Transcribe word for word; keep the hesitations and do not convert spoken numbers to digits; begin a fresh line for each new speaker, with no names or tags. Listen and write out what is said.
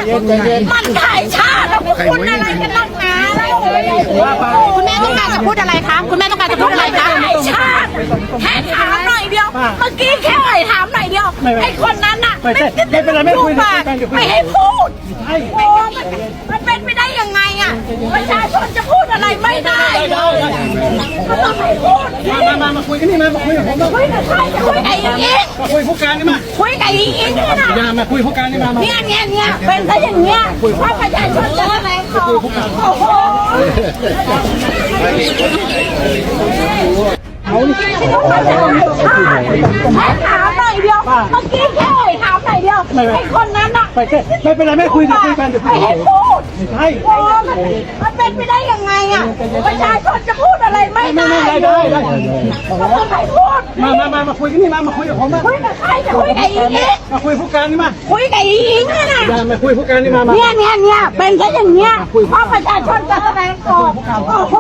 มันขายชาติแล้วคุณอะไรกันนักหนาแล้วคุณแม่ต้องการจะพูดอะไรคะคุณแม่ต้องการจะพูดอะไรคะขายชาติแค่ถามหน่อยเดียวเมื่อกี้แค่ถามหน่อยเดียวไอ้คนนั้นน่ะไม่เป็นไรไม่คุยไม่ให้พูดโอ้มันเป็นไม่ได้ยังไงอ่ะประชาชนจะพูดอะไรไม่ได้เลยมันต้องให้พูด
มามามาคุยกันนี่มามาคุยกับผมมา
คุยกับใครจะคุยกับอีก
มาคุยผู้การนี่มา
คุยกับอีกนี่นะ
มามาคุยผู้การนี่มา
เนี่ยเนี่ยเนี่ยเป็นซะอย่างเงี้ยถ้าประชาชนจะแสดงออกโอ้โหเอาแค่ถามหน่อยเดียวเมื่อกี้แค่ถามหน่อยเดียวไอ้คนนั้นอ่ะ
ไม่ไม่เป็นไรไม่คุยกันคุยกันเดี๋ยว
ไม่ให้พูด
ใช่
โอ้มันเป็นไปได้ยังไงอ่ะประชาชนจะพูดอะไรไม่ได้
ได้ได้ได้
ต้องให้พูด
มามามามาคุยกันนี่มามาคุยกับผมมา
คุยกับใครจะคุยกับอีก
มาคุยผู้การนี่มา
คุยกับอีกนี่นะ
มาคุยผู้การนี่มา
เนี่ยเนี่ยเนี่ยเป็นซะอย่างเงี้ยเพราะประชาชนจะแสดงออกโอ้โห